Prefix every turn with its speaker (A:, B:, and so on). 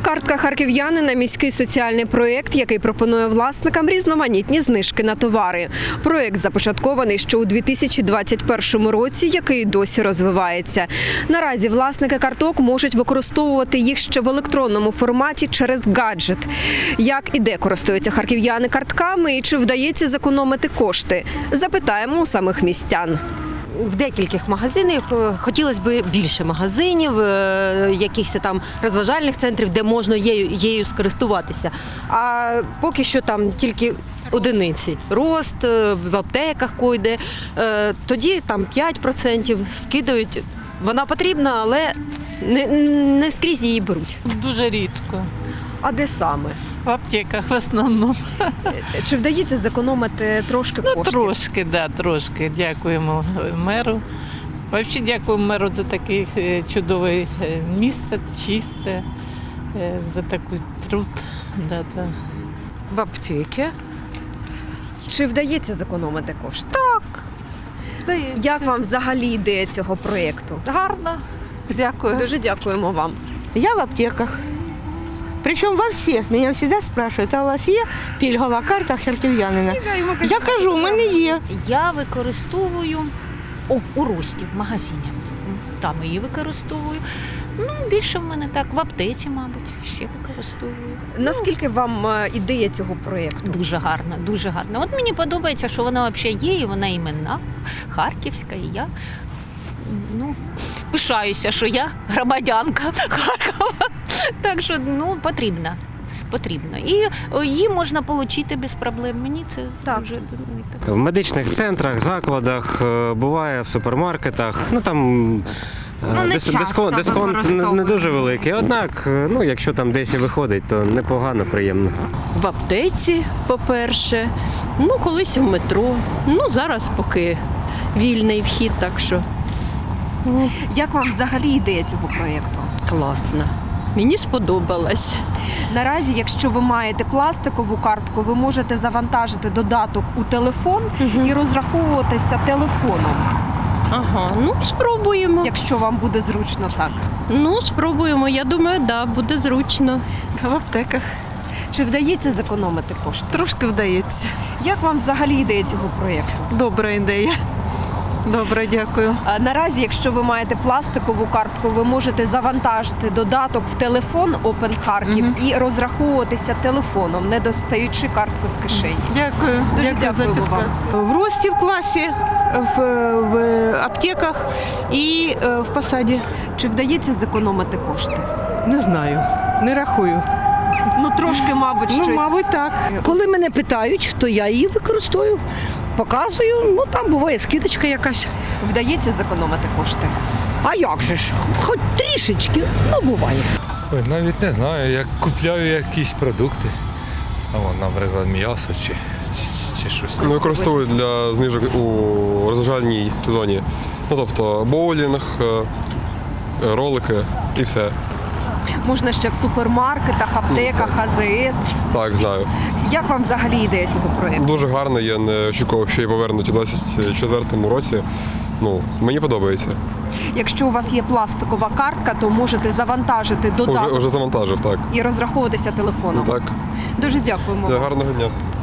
A: Картка харків'янина – міський соціальний проєкт, який пропонує власникам різноманітні знижки на товари. Проєкт започаткований ще у 2021 році, який досі розвивається. Наразі власники карток можуть використовувати їх ще в електронному форматі через гаджет. Як і де користуються харків'яни картками і чи вдається зекономити кошти? Запитаємо у самих містян.
B: В декількох магазинах хотілося б більше магазинів, якихось там розважальних центрів, де можна її скористуватися. А поки що там тільки одиниці. Рост, в аптеках койде, тоді там 5% скидають. Вона потрібна, але не скрізь її беруть.
C: Дуже рідко.
A: А де саме?
C: В аптеках в основному.
A: Чи вдається зекономити трошки коштів?
C: Трошки, да, трошки. Дякуємо меру. Взагалі дякуємо меру за таке чудове місце, чисте, за такий труд. Да.
D: В аптеці.
A: Чи вдається зекономити кошти?
D: Здається.
A: Як вам взагалі ідея цього проєкту?
D: Гарно. Дякую.
A: Дуже дякуємо вам.
D: Я в аптеках. Причому во всіх. Мене завжди спрашують, а у вас є пільгова карта харків'янина? Я кажу, у мене є.
E: Я використовую у Рості, в магазині. Там її використовую. Більше в мене так, в аптеці, мабуть, ще використовую.
A: Наскільки вам ідея цього проєкту?
E: Дуже гарна, дуже гарна. От мені подобається, що вона взагалі є, і вона іменна, харківська, і я пишаюся, що я громадянка Харкова. Так що, потрібно. І її можна отримати без проблем. Мені це дуже
F: в медичних центрах, закладах, буває в супермаркетах. Там дисконт не дуже великий. Однак, якщо там десь і виходить, то непогано, приємно.
G: В аптеці, по-перше, колись в метро. Зараз поки вільний вхід, так що
A: Як вам взагалі ідея цього проєкту?
G: класно. Мені сподобалось.
A: Наразі, якщо ви маєте пластикову картку, ви можете завантажити додаток у телефон і розраховуватися телефоном,
G: Ага, спробуємо.
A: якщо вам буде зручно так.
G: Спробуємо. Я думаю, буде зручно.
D: В аптеках.
A: Чи вдається зекономити кошти?
D: Трошки вдається.
A: Як вам взагалі ідея цього проєкту?
D: Добра ідея. Добре, дякую.
A: Наразі, якщо ви маєте пластикову картку, ви можете завантажити додаток в телефон Open Харків і розраховуватися телефоном, не достаючи картку з кишені.
D: Дякую.
A: Дуже
D: Дякую за
A: дякуємо вам.
D: підказ. В Рості в класі, в аптеках і в посаді.
A: Чи вдається зекономити кошти?
D: Не знаю, не рахую.
A: Трошки, мабуть, щось.
D: Мабуть, так.
H: Коли мене питають, то я її використовую, показую, там буває скидочка якась.
A: Вдається зекономити кошти?
H: А як же ж? Хоч трішечки, буває.
I: Ой, навіть не знаю, як купляю якісь продукти, наприклад, м'ясо чи щось.
J: Використовують для знижок у розважальній зоні. Тобто боулінг, ролики і все.
A: Можна ще в супермаркетах, аптеках, АЗС.
J: Так, знаю.
A: Як вам взагалі ідея цього проєкту?
J: Дуже гарно, я не очікував, що її повернуть у 2024 році. Мені подобається.
A: Якщо у вас є пластикова картка, то можете завантажити додаток
J: Уже завантажив, так.
A: і розраховуватися телефоном.
J: Так.
A: Дуже дякуємо.
J: Гарного дня.